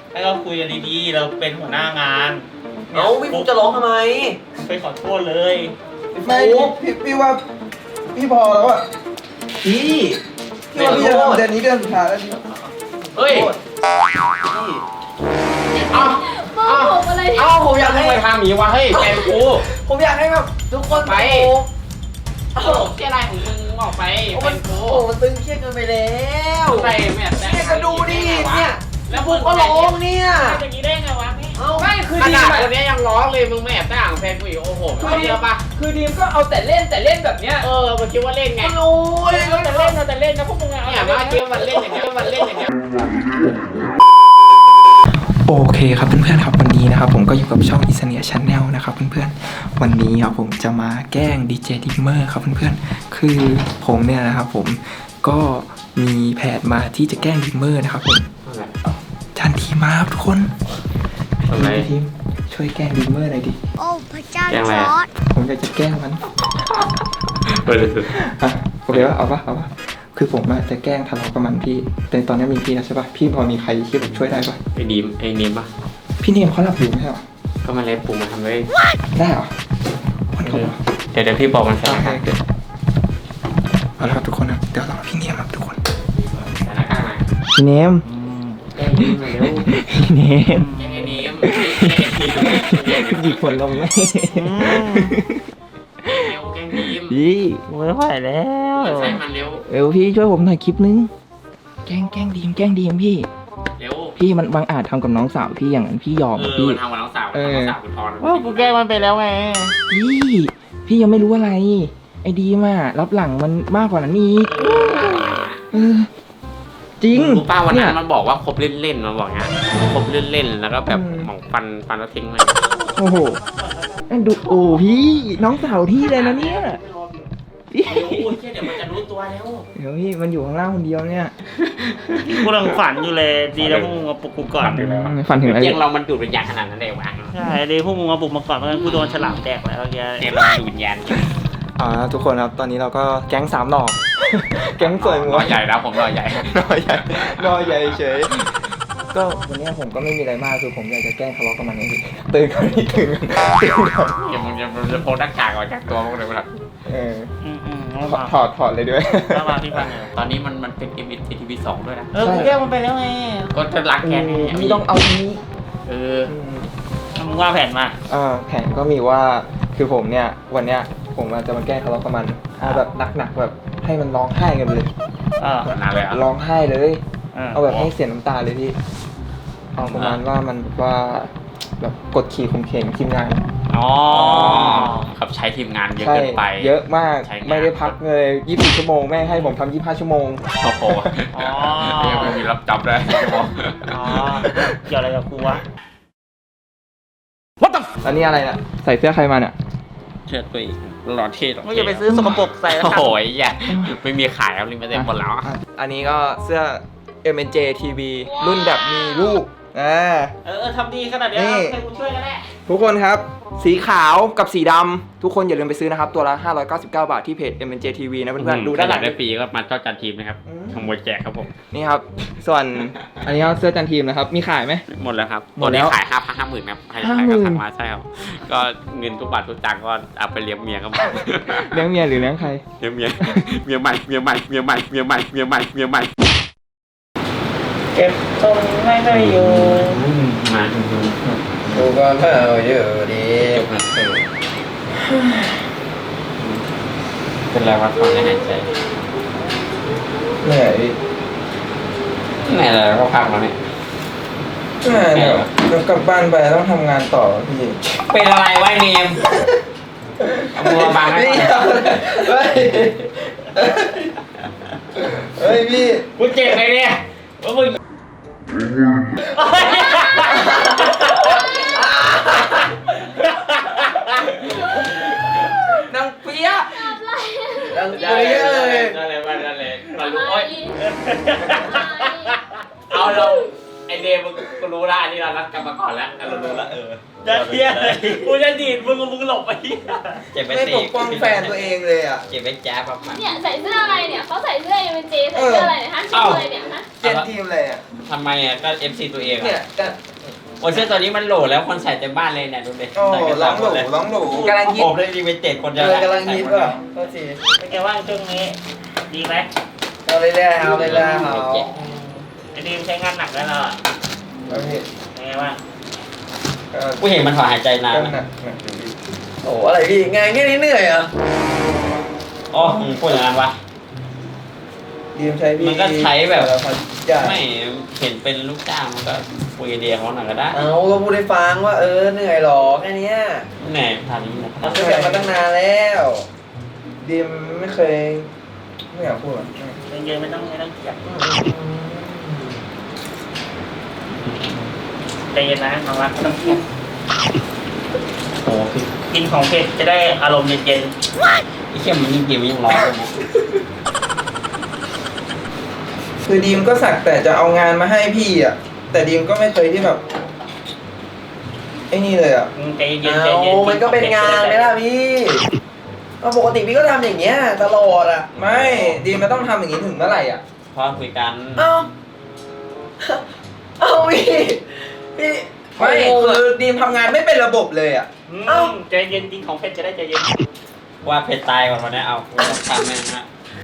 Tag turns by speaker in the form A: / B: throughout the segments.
A: ให้เราคุยกันดีๆเราเป็นหัวหน้างาน
B: เอ้าพี่ฟุกจะร้องทำไม
A: ไปขอโทษเลย
C: ไม่พี่ว่าพี่พอแล้วอะ
B: พี่
C: พี่ว่าพี่จะทำเดือนนี้เดือนสุดท้ายแล้วพี่
B: เฮ้ย
D: โมโหอะไรเนี่ย
B: เอ้าผมอยากให้
E: ไปทำอย่างนี้วะเฮ้ยแฟนกู
B: ผมอยากให้แบบทุกคน
E: ไป
B: โอ้
E: โอ้โหเที่ยอะไรของมึงออกไป
B: โห
E: แฟ
B: มัน
E: นกู
B: โอ้มันตึงเครียดเกินไปแล้ว
E: ใส่แม่แต่
B: เนี่ยก็ดูดิเนี่ย
E: แล้ว
B: ฟุกก็ร้องเนี่ย
A: อย่างนี้ได้ไงวะนี่
B: เอ้า
E: ไม่คือดีมคนนี้ยังร้องเลยมึงไม่แอบแต่งแฟนกูอีกโอ้โหไม่เดียวปะ
F: คือดีมก็เอาแต่เล่นแบบเนี้ย
E: มันคิดว่าเล่นไง
B: โอ้ย
A: เราจะเล่นนะพวกมึงอะ
E: เนี่ยมาคิดว่ามันเล่นอย่างเงี้ยมันเล่นอย่างเงี้ย
G: โอเคครับเพื่อนๆครับวันนี้นะครับผมก็อยู่กับช่อง Isania Channel นะครับเพื่อนๆวันนี้ครับผมจะมาแกล้ง DJ Dimmer ครับเพื่อนๆคือผมเนี่ยนะครับผมก็มีแผนมาที่จะแกล้ง Dimmer นะครับผมจันทีมาครับทุกคนทีมช่วยแกล้ง Dimmer หน่อยดิ
D: โอ้พระเจ้าจอร์ด
G: ผมอยากจะแกล้งมันโอเคปะเอาปะคือผมจะแกล้งทะเลาะกับมันพี่แต่ตอนนี้มีพี่นะใช่ปะพี่พอมีใครที่ผมช่วยได้ปะ
E: ไอ้นีมปะ
G: พี่เนมเขาหลับอยู่ไม่ใช่หรอ
E: ก็มาเล่นปูมาทำเลย
G: ได้เหรอวันเขาบอก
E: เดี๋ยวพี่บอกมันใส่
G: โอ
E: หน้า
G: เค
E: กาก
G: เอาละครับทุกคนครับเดี๋ยวรอพี่เนมครับทุกคน
E: ใส่หน้ากากหน่อย
G: พี่เนม
E: แกล้งนีมหน่อยเร็ว
G: พี่เนม
E: แกล้งไอ้นีม
G: หยิบผลลงไหม
E: เร็วแกล้งนีม
G: พี่ไม่ไหวแล้ว
E: ใส่มันเร็ว
G: เร็วพี่ช่วยผมหน่อยคลิปนึงแกล้งดีมพี่
E: เร็ว
G: พี่มันบางอาจทำกับน้องสาวพี่อย่างนั้นพี่ยอมพี่
E: มันทำกับน้องสาวน้องสาวคุณพร
A: ว่ากูแกล้งมันไปแล้วไง
G: พี่ยังไม่รู้อะไรไอ้ดีมอะรับหลังมันมากกว่านั้นอีกเออจริง
E: รู้ป้าวันนั้น
G: เย
E: มันบอกว่าคบเล่นๆมันบอกเงี้ยคบเล่นๆแล้วก็แบบหมองฟันแล้วทิ้งเลย
G: โอ้โหดูโอ้พี่น้องสาวพี่เลยนะเนี่ยพี่
A: โอ้ยเดี๋ยวมันจะรู้ตัวแล้ว
G: เดี๋ยวพี่มันอยู่ข้างล่างคนเดียวเนี่ย
A: กูกำลังฝันอยู่เลยดีแล้วพวกมึงมาปลุกกูก่อน
G: ฝันถึงอะไร
E: เตียงเรามันดูดวิญญาณขนาดนั้นเลยวะ
A: ใช่ดีพวกมึงมาปลุกมาก่อนเพราะงั้นกูโดนฉลามแดกแล้วแก
E: เตียงเราดูดวิญญาณ
G: ทุกคนครับตอนนี้เราก็แก๊ง3 หน่อ แก๊งสวย
E: หน่อใหญ่แล้วผมหน่อใหญ่
G: หน่อใหญ่เฉยก็วันนี้ผมก็ไม่มีอะไรมากคือผมอยากจะแกล้งทะเลาะกับมันนี่ตื่นก่อนนี่ตื่นก่อน
E: อย่ามึงจะโพสหน้ากากออกจากตัวมึงเลยมั้ง
G: ถอดเลยด้วย
A: แล้วมาพี่ฟังไง
E: ตอนนี้มันเป็น MTV2 ด้วยนะ
A: กูแกล้งมันไปแล้วไง
E: ก็จะรักแกนี่
G: นี่ต้องเอานี้
A: มึงว่าแผนมา
G: แผนก็มีว่าคือผมเนี่ยวันเนี้ยผมจะมาแกล้งทะเลาะกับมันเอาแบบหนักๆแบบให้มันร้องไห้กันเลย
E: นานเลยอ่ะ
G: ร้องไห้เลยเอาแบบให้เสียน้ำตาเลยพี่เอาประมาณว่ามันว่าแบบกดขี่ข่มเหงทีมงาน
E: ครับใช้ทีมงานเยอะ
G: ใช่
E: เกินไป
G: เยอะมาก
E: ใช้งาน
G: ไม่ได้พักเลย24 ชั่วโมงแม่งให้ผมทำ25 ชั่วโมง
E: โอ้โหยังไม่มีรับจับเลยจะบอก
A: เกี่ยวอะไรกับกูวะ
G: แล้วนี่อะไรน่ะใส่เสื้อใครมาเนี่ย
E: เชื่อตัวเองหล่อเท่หรอ
A: ไม่อย่าไปซื้อสกปรกใส่แล้ว
E: โอ้
A: กัน
E: โหอย่าไม่มีขายแล้วลิมิเต็ดหมดแล้ว
G: อันนี้ก็เสื้อ MNJ TV รุ่นแบบมีลูก
A: ทำดีขนาดนี้ให้กูช่วยกันแน่
G: ทุกคนครับสีขาวกับสีดำทุกคนอย่าลืมไปซื้อนะครับตัวละ599 บาทที่เพจ MNJ TV นะเพื่อนๆดูด้านหลัง
E: ได้ปีก็มาเจ้าจันทีมนะครับขโมยแจกครับผม
G: นี่ครับส่วนอันนี้ก็เสื้อจันทีมนะครับมีขายไหม
E: หมดแล้วครับ
G: หม
E: ตั
G: ด
E: ว
G: แล้
E: นี้
G: ว
E: ขาย50,000ครับใครก็สั่งมาใช่ครับก็เงินทุกบาททุกตังค์ก็เอาไปเลี้ยงเมียครับ
G: เลี้ยงเมียหรือเลี้ยงใคร
E: เลี้ยงเมียใหม่เมียใหม่
A: เก็บทรงไม่ค่อยอยู่
E: มา
C: กูก็เมาอยู่ดี
E: จบนะเป็นไรวะตอนนี้หายใจ
C: เหนื่อยดิ
E: ไหนอะไรก็พักแล้วเนี่ย
C: เหนื่อยเดี๋ยวกลับบ้านไปต้องทำงานต่อพี่
E: เป็นอะไรวะเนมเอามือบังให้
C: พี่เฮ้ยเฮ้ยพี่
A: กูเจ็บเลยเนี่ยว่ามึง
B: นางเปี๊ยะ
C: ดังเปี้ยเลย
E: นั่นเลยมารู้โอ๊ยเอาเราไอเดมมันรู้ละอันนี้เรานัดกันมาก่อนแล้วเรารู้ละ
A: จะเทียกูจะดีดมึงหลบไป
E: เจ็บไป
C: ไม่
E: ตี
C: ปกป้องแฟนตัวเองเลยอ่ะ
E: เจ็บไปแจ๊บแบบมัน
D: เนี่ยใส่เสื้ออะไรเนี่ยเขาใส่เสื้อเอ็มเจใส่เสื้ออะไรเนี่ยฮะชื่ออะไรเนี่ยฮะ
C: เจนทีมเลยอ่ะ
E: ทำไมอ่ะก็ FC ตัวเอง
C: เนี่ย
E: อ่ะ
C: ก็
E: โอ้เสื้อตัวนี้มันโหลแล้วคนใส่เต็มบ้านเลยเนี่ยดูดิ
C: โอ้
E: ใส่กัน
C: ร้องห
E: หม
C: ลู
E: ดเลย
C: ร้องหลูกำลังฮิต
E: ผมได้ดีเป็นเจ็ดคนเดียว
C: กำลังฮิตว่ะก็ที
A: เป็นไงว่างช่วงนี้ดีไหม
C: เอาเรื่อยๆเอาเรื่อยๆเอา
A: ไอ้ดีมใช้งานหนักแล้วเราอ่ะ
C: เอาพี่
A: เป็นไงว่าง
E: กูเห็นมันถอนหายใจนาน
C: ก็หนักอยู่พี่โอ้อะไรพี่งานแค่นี้เหนื่อยเหรอ
E: อ๋อพูดอย่างนั้นวะ
C: ดีมใช้พี่
E: มันก็ใช้แบบ
C: ใช่
E: ไม่เห็นเป็นลูกจ้างมันก็คุยเดียเขาหน่อยก็ได้
C: เอาก็พูดให้ฟังว่าเหนื่อยหรอแค่เนี้ย
E: แหน่ทานนี้นะ
C: เราคุยกันมาตั้งนานแล้วดีมไม่เคยไม่อยากพูดอ่ะ
A: เยอะๆไม่ต้องเกลียดใจเย็นนะน้องรักไม่ต้องเครียด
E: โอ้พี่
A: กินของเผ็ดจะได้อารมณ์เย็น
E: ไอ้เข้มมันยิ่งกินมันยิ่งร้อนเลยนะ
C: คือดีมก็สักแต่จะเอางานมาให้พี่อ่ะแต่ดีมก็ไม่เคยที่แบบไอ้นี่เลยอ่ะ
A: ใจเย็นใจเย็น
B: มันก็เป็นงานไหมล่ะพี่ปกติพี่ก็ทำอย่างเงี้ยตลอดอ่ะ
C: ไม่ดีมมันต้องทำอย่างนี้ถึงเมื่อไหร่อ่ะ
E: พอคุยกัน
B: เอ้าพี่
C: ไม่คือดีมทำงานไม่เป็นระบบเลยอ่ะ
A: ใจเย็นกินของเผ็ดจะได้ใจเย็น
E: ว่าเพชรตายก่อนวันนี้เอากูต้องทำแม่งนะ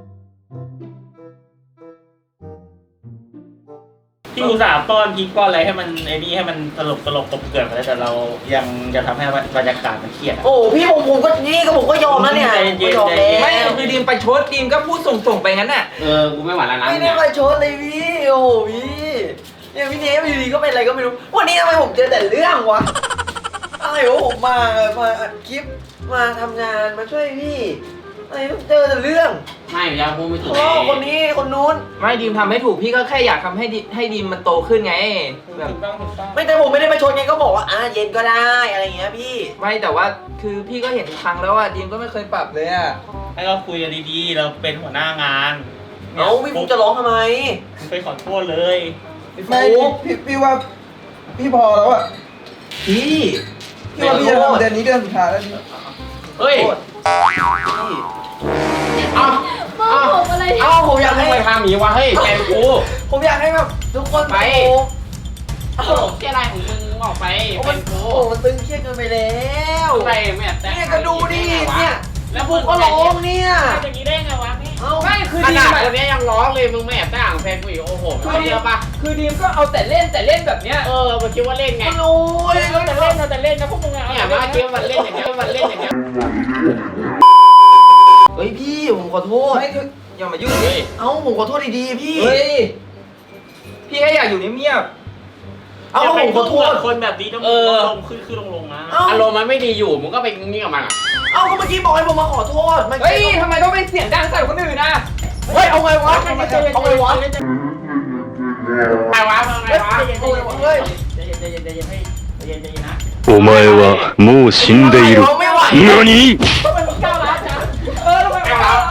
A: พี่อุตส่าห์ป้อนพริกป้อนอะไรให้มันไอ้นี่ให้มันตลกกบเกลื่อนไปแล้วแต่เรายังจะทำให้บรรยากาศมันเครียด
B: โอ้พี่ผมก็นี่ก็ผมก็ยอมแล้วเนี่ย
A: ใจเย็น
B: ผมก็ยอม
A: ใจเย็น
B: แล้ว
C: ไม่คือดีมไปชดดีมก็พูดส่งไปงั้นน่ะ
E: กูไม่ไหวแล้วนะ
B: ไม่ได้
E: เนี่ย
B: ไปชดเลยพี่โอ้โหพี่เนี่ยพี่เนฟอยู่ดีก็เป็นอะไรก็ไม่รู้วันนี้ทำไมผมเจอแต่เรื่องวะอะไรวะผมมาอัดคลิปมาทำงานมาช่วยพี่อะไรต้องเจอแต่เรื่อง
E: ไม่ยาพูดไม่ถูก
B: พ่อคนนี้คนนู้น
C: ไม่ดีมทำให้ถูกพี่ก็แค่อยากทำให้ดีมมันโตขึ้นไงแบบ
A: ถูกต้อง
B: ไม่แต่ผมไม่ได้ไปชนไงก็บอกว่าเย็นก็ได้อะไรอย่างเงี้ยพี่
C: ไม่แต่ว่าคือพี่ก็เห็นทุกครั้งแล้วว่าดีมก็ไม่เคยปรับเลยอ่ะ
A: ให้เราคุยกันดีๆเราเป็นหัวหน้างาน
B: เอ้าพี่ผมจะร้องทำไม
A: ไปขอโทษเลย
C: ไม่พี่ว่าพี่พอแล้วอ่ะพี่ว่าพี่จะทำเดือนนี้เดือนสุดท้ายแล้วพี่
E: เฮ้ย
D: โมโหอะไรเนี่ย
B: ผมอยาก
E: ทำ
B: ให้
E: ไมทำอย่างนี้วะเฮ้ยแฟนกู
B: ผมอยากให้แบบทุกคน
E: ไป
B: โอ้
E: โอ้เที่ยอะไรของมึงออกไป
B: โอ้
E: แฟ
B: มัน
E: นกู
B: โอ้มันตึงเครียดเกินไปแล้ว
E: ไปไม่แต่
B: เนี่ยก็ดูดิเนี่ย
E: แล้ว
B: ผมก็ร้องเนี่ย
A: อย่างนี้ได้ไงวะพี่
B: เอ้า
C: ไม่คือ
E: ข
C: ดี
E: นาด
C: ม
E: คนนี้ยังร้องเลยมึงไม่แอบแต่งแฟนกูอีกโอ้โหไม่เยอะปะ
C: คือดีมก็เอาแต่เล่นแบบเนี้ย
E: มันคิดว่าเล่นไง
B: โอ้ย
A: แต่เล่นนะแต่เล่นนะพวกมึงอะ
E: เนี่ยมาคิดว่ามันเล่นอย่างเงี้ยมันเล่นอย่างเงี้ย
B: เฮ้ยพี่ผมขอโทษ
C: ไม่คืออย่ามายุ่ง
E: เฮ้ย
B: เอ้าผมขอโทษดีๆพี่
C: เฮ้ยพี่แค่อยากอยู่เงียบ
B: เอ้าผมขอโทษ
A: คนแบบนี้ต้องลงขึ้นลงนะ
B: เอ้า
E: อารมณ์มันไม่ดีอยู่มึงก็ไปงี้กับมันอ่ะ
B: เอ้าก็เมื่อกี้บอกให้ผมมาขอโทษมัน
C: ๆเฮ้ยทำไมต้องเป็นเสียงดังใส่คนอื่นนะ
B: เฮ้ยเอาไงวะเอาไงวะ
E: ไงวะไงวะ
B: เฮ้ย
A: ใจเย็นใจเย็นใจเย็นให้ใจเย็นใจเย็นนะ
H: お前はもう死んでいる。
B: ไม่ไหว
H: 何
A: ทำไมมึงก้าวร้าวจัง
C: เออทำไมวะ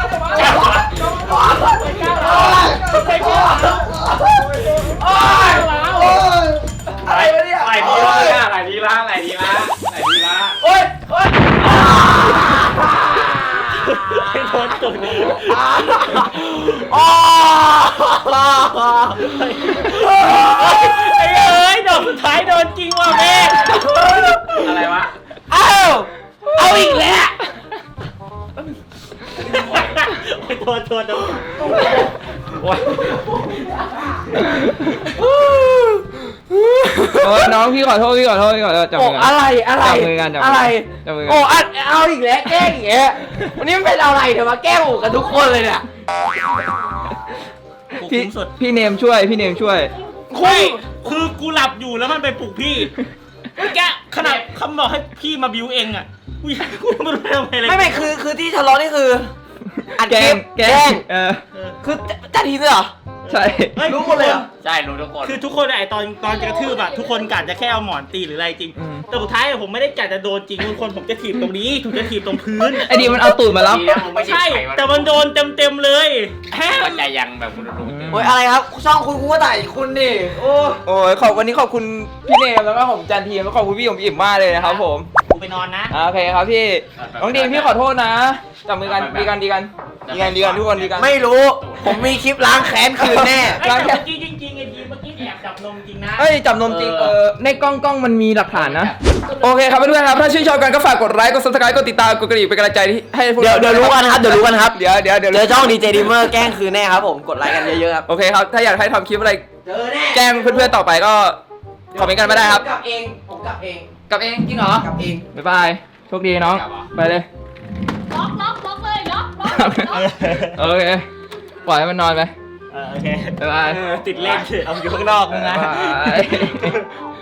B: อะไรวะเนี่ย
E: ไหลดีละไหลดีละไหลดีละไหลดีละ
B: โอ้ยโอ้ย
A: ให้โดนตุ่ม
B: อ๋อ
A: ไอ้เอ้ยดอกสุดท้ายโดนจริงว่ะแม่
E: อะไรวะ
B: เอาอีกแล้ว
A: โทษ
G: น้องพี่ขอโทษจับมือกัน
B: อะไร
G: จับมือกันจับมือกัน
B: อะไร
G: จับมือกัน
B: โอ้เอาอีกแล้วแกล้งอีกแล้ววันนี้มันเป็นอะไรเดี๋ยวมาแกล้งผมกันทุกคนเลยเนี่ย
G: พี่เนมช่วย
A: คือกูหลับอยู่แล้วมันไปปลุกพี่แกขนาดคำบอกให้พี่มาบิวเองอ่ะกูไม่รู้ทำไมเลย
B: ไม่คือที่ทะเลาะนี่คืออัด
G: แก
B: คลิป
G: ล้ง
B: คือจัดทีมด้วยเหรอ
G: ใช่
A: ฮ้
B: รู้หมดเลยเหรอ
E: ใช่รู้ทุกคน
A: คือทุกคนไอตอนจะกระทืบอะทุกคนกะจะแค่เอาหมอนตีหรืออะไรจริง แต่สุดท้ายผมไม่ได้กะจะโดนจริงทุกคนผมจะถีบตรงนี้ถูกจะถีบตรงพื้น
G: ไอ้ดีมันเอาตูดมาแล้ว
E: ดีนะมึงไม่
A: ใช่
E: ใช่
A: แต่มันโดนเต็มเลยแฮม
E: ก็ใจยังแบบคุณรู้
B: โอ้ยอะไรครับช่องคุณกูก็ถ่ายคุณดิโอ้
G: โอ้ยวันนี้ขอบคุณพี่เนมแล้วก็ผมจันทีแล้วก็ขอบคุณพี่ผมอิ่มมากเลยนะครับผม
A: กูไปนอนนะ
G: โอเคครับพี่น้องดีมพี่ขอโทษนะจับมือกันดีกันทุกคนดีกัน
B: ไม่รู้ ผมมีคลิปล้างแค้นคืนแน่
A: ไอ้แต่เมื่อกี้จริงๆไอ้ทีเมื่อกี้แอบจับนมจริงนะ
G: เอ้ยจับนมจริงในกล้องมันมีหลักฐานนะโอเคครับเพื่อนๆครับถ้าชื่นชอบกันก็ฝากกดไลค์กด subscribe กดติดตามกดกระดิ่งเป็นกำลังใจให้พวก
B: เดี๋ยวรู้กันครับ เดี๋ยวรู้กันครับ
G: เดี๋ยว
B: เจอช่องดีเจดีเมอร์แกล้งคืนแน่ครับผมกดไลค์กันเยอะๆครับ
G: โอเคครับถ้าอยากให้ทำคลิปอะไร
B: เจอแน่
G: แกล้งเพื่อนๆต่อไปก็คอมเมนต์กันมาได้ครับ
B: กลับเองผมกลับเอง
G: กลับเองจริงเหรอก
B: ลับเอง
G: บ๊ายบายโชคดีน้องไปเลย
D: ล็อกเลยล็อก
G: โอเคปล่อยให้มันนอนไป
A: โอเค
G: บ๊ายบาย
A: ติดเล่นเอาอยู่ข้างนอกมึงนะ
G: บ๊ายบาย